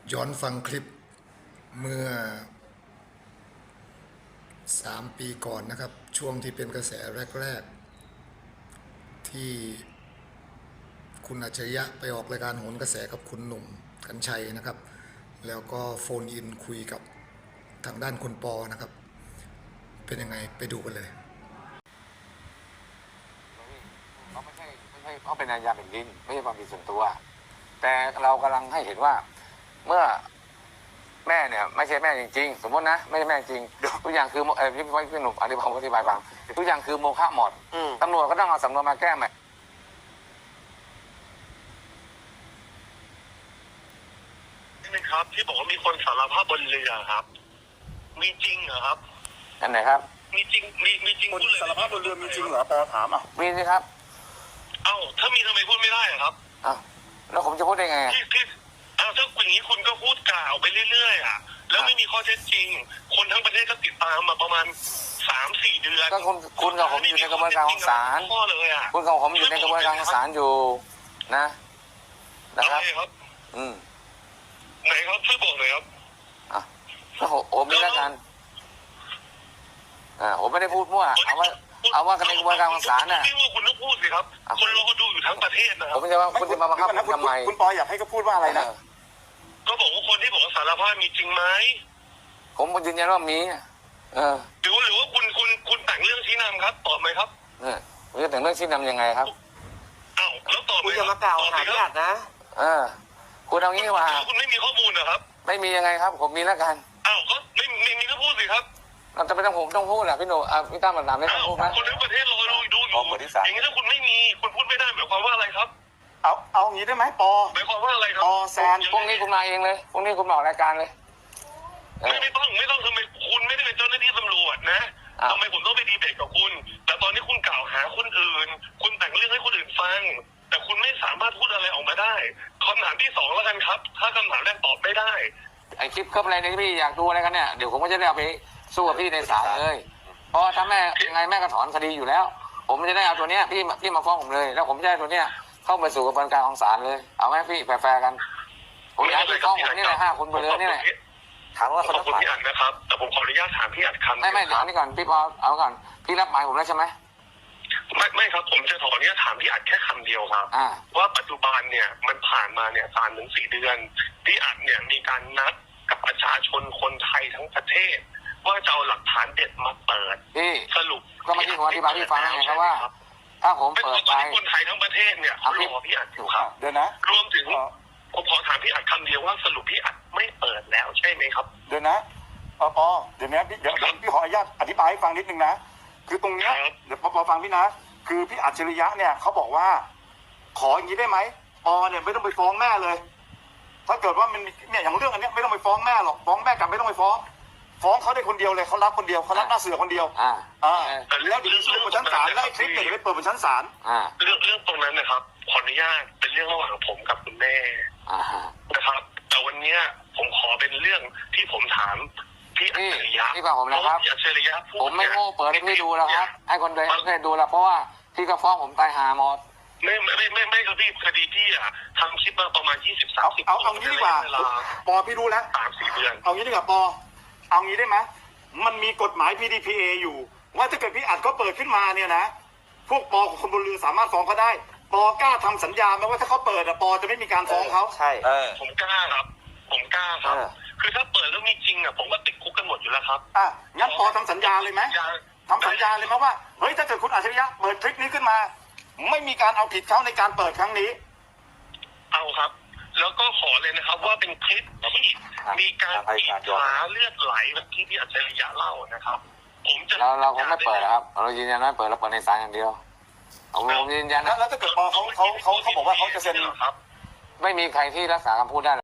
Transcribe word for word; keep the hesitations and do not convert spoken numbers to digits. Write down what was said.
ย้อนฟังคลิปเมื่อสามปีก่อนนะครับช่วงที่เป็นกระแสแรกๆที่คุณอัจฉริยะไปออกรายการโหนกระแสกับคุณหนุ่มกรรชัยนะครับแล้วก็โฟนอินคุยกับทางด้านคุณปอนะครับเป็นยังไงไปดูกันเลยเขาไม่ใช่ไม่ใช่เขาเป็นอาญาแผ่นดินไม่ใช่ความผิดส่วนตัวแต่เรากำลังให้เห็นว่าเมื่อแม่เนี่ยไม่ใช่แม่จริงๆสมมตินะไม่ใช่แม่จริงทุกอย่างคือเออพี่พี่หนุ่มอธิบายอธิบายฟังทุกอย่างคือโมฆะหมดตำรวจก็ต้องเอาสำนวนมาแก้ใหม่นี่ครับที่บอกว่ามีคนสารภาพบนเรือครับมีจริงเหรอครับอันไหนครับมีจริงมีมีจริงคนสารภาพบนเรือมีจริงเหรอปอถามอ่ะมีสิครับเอ้าถ้ามีทำไมพูดไม่ได้อะครับอ้าวแล้วผมจะพูดได้ไงที่ที่อ้าวถ้าอย่างนี้คุณก็พูดกล่าวไปเรื่อยๆอ่ะแล้วไม่มีข้อเท็จจริงคนทั้งประเทศก็ติดตามมาประมาณสามสี่เดือนก็คุณคุณกับผมอยู่ในกระบวนการของศาลข้อเลยอ่ะคุณกับผมอยู่ในกระบวนการของศาลอยู่นะนะครับอืมไหนครับช่วยบอกหน่อยครับอ่ะก็ผมมีแล้วกันอ่าผมไม่ได้พูดมั่วเอาว่าเอาว่ากันในกระบวนการของศาลน่ะพี่ว่าคุณต้องพูดสิครับคนรอดูอยู่ทั้งประเทศนะครับผมจะว่าคุณจะมาบังคับผมทำไมคุณปออยากให้เขาพูดว่าอะไรนะก็บอกว่าคนที่บอกว่าสารภาพมีจริงไหมผมยืนยันว่ามีเออหรือหรือว่าคุณคุณคุณแต่งเรื่องชี้นำครับตอบไหมครับเออคุณจะแต่งเรื่องชี้นำยังไงครับอ้าวแล้วตอบไหมคุณจะมากล่าวหาพี่อัดนะเออคุณเอางี้ว่าคุณไม่มีข้อมูลนะครับไม่มียังไงครับผมมีแล้วกันอ้าวก็ไม่ไม่มีก็พูดสิครับเราจะไม่ต้องผมต้องพูดแหละพี่หนูอ่ะพี่ตั้มหนามไม่ต้องพูดไหมคนทั้งประเทศรอดูดูอยู่อย่างนี้ถ้าคุณไม่มีคุณพูดไม่ได้หมายความว่าอะไรครับเอาเอางี้ได้ไหมปอหมายความว่าอะไรครับปอแซนพรุ่งนี้คุณมาเองเลยพรุ่งนี้คุณมาออกรายการเลยไม่ไม่ต้องไม่ต้องทำไมคุณไม่ได้เป็นเจ้าหน้าที่ตำรวจนะทำไมผมต้องไปดีเบตกับคุณแต่ตอนนี้คุณกล่าวหาคนอื่นคุณแต่งเรื่องให้คนอื่นฟังแต่คุณไม่สามารถพูดอะไรออกมาได้คำถามที่สองแล้วกันครับถ้าคำถามแรกตอบไม่ได้ไอคลิปคลิปอะไรเนี่ยพี่อยากดูอะไรกันเนี่ยเดี๋ยวผมก็จะได้เอาไปสู้กับพี่ในศาลเลยเพราะถ้าแม่ยังไงแม่ก็ถอนคดีอยู่แล้วผมจะได้เอาตัวเนี้ยพี่พี่มาฟ้องผมเลยแล้วผมจะได้ตัวเนี้ยเข้าไปสู่กระบวนการของศาลเลยเอาไหมพี่แฟร์ๆกันผมอยากให้ฟ้องผมนี่แหละห้าคนไปเลยนี่แหละถามว่าขอบคุณพี่อัดนะครับแต่ผมขออนุญาตถามพี่อัดคำไม่ไม่เดี๋ยวนี่ก่อนพี่พอเอาก่อนพี่รับหมายผมแล้วใช่ไหมไม่ไม่ครับผมจะขออนุญาตถามพี่อัดแค่คำเดียวครับว่าปัจจุบันเนี่ยมันผ่านมาเนี่ยสามถึงสี่เดือนพี่อัดเนี่ยมีการนัดกับประชาชนคนไทยทั้งประเทศว่าจะเอาหลักฐานเด็ดมาเปิดพี่สรุปก็เมื่อกี้ผมอธิบายพี่ฟังไงครับว่าถ้าผมเปิดไปคนไทยทั้งประเทศเนี่ยเขารอพี่อัดอยู่ครับเดี๋ยวนะรวมถึงผมขอถามพี่อัดคำเดียวว่าสรุปพี่อัดไม่เปิดแล้วใช่ไหมครับเดี๋ยวนะปอปอเดี๋ยวนี้พี่เดี๋ยวพี่ขออนุญาตอธิบายให้ฟังนิดนึงนะคือตรงเนี้ยเดี๋ยวปอปอฟังพี่นะคือพี่อัจฉริยะเนี่ยเขาบอกว่าขออย่างนี้ได้ไหมปอเนี่ยไม่ต้องไปฟ้องแม่เลยถ้าเกิดว่ามันเนี่ยอย่างเรื่องอันนี้ไม่ต้องไปฟ้องแม่หรอกฟ้องแม่กลับไม่ต้องไปฟ้องฟ้องเขาได้คนเดียวเลยเขารับคนเดียวเขารับหน้าเสือคนเดียวอ่าอ่าแล้วเดี๋ยวสู้บนชั้นศาลได้คลิปเนี่ยไปเปิดบนชั้นศาลอ่าเรื่องเรื่องตรงนั้นนะครับขออนุญาตเป็นเรื่องระหว่างผมกับคุณแม่นะครับแต่วันนี้ผมขอเป็นเรื่องที่ผมถามพี่อัจฉริยะพี่ฟังผมนะครับพี่อัจฉริยะผมไม่โง่เปิดให้พี่ดูแล้วครับให้คนเดินให้ดูแล้วเพราะว่าพี่ก็ฟ้องผมตายหาหมดไม่ไม่ไม่ไม่ไม่ครับพี่คดีพี่อะทำคลิปมาประมาณยี่สิบสามสิบเอาเอางี้ดีกว่าปอพี่รู้แล้วสามสี่เดือนเอางี้ดีกว่าปอเอางี้ได้ไหมมันมีกฎหมาย พี ดี พี เอ อยู่ว่าถ้าเกิดพี่อัดก็เปิดขึ้นมาเนี่ยนะพวกปอของคนบนเรือสามารถฟ้องเขาได้ปอกล้าทำสัญญาไหมว่าถ้าเขาเปิดอะปอจะไม่มีการฟ้องเขาใช่ผมกล้าครับผมกล้าครับคือถ้าเปิดแล้วมีจริงอะผมก็ติดคุกกันหมดอยู่แล้วครับอ่ะงั้นปอทำสัญญาเลยไหมทำสัญญาเลยไหมว่าเฮ้ยถ้าเกิดคุณอัจฉริยะเปิดคลิปนี้ขึ้นมาไม่มีการเอาผิดเขาในการเปิดครั้งนี้เอาครับแล้วก็ขอเลยนะครับว่าเป็นคลิปที่มีการขีดขาเลือดไหลแบบที่พี่อัจฉริยะเล่านะครับผมจะเราเราคงไม่เปิดครับเรายืนยันว่าเปิดเราเปิดในศาลอย่างเดียวผมยืนยันนะแล้วถ้าเกิดปอเขาเขาเขาเขาบอกว่าเขาจะเซ็นครับไม่มีใครที่รักษาคำพูดได้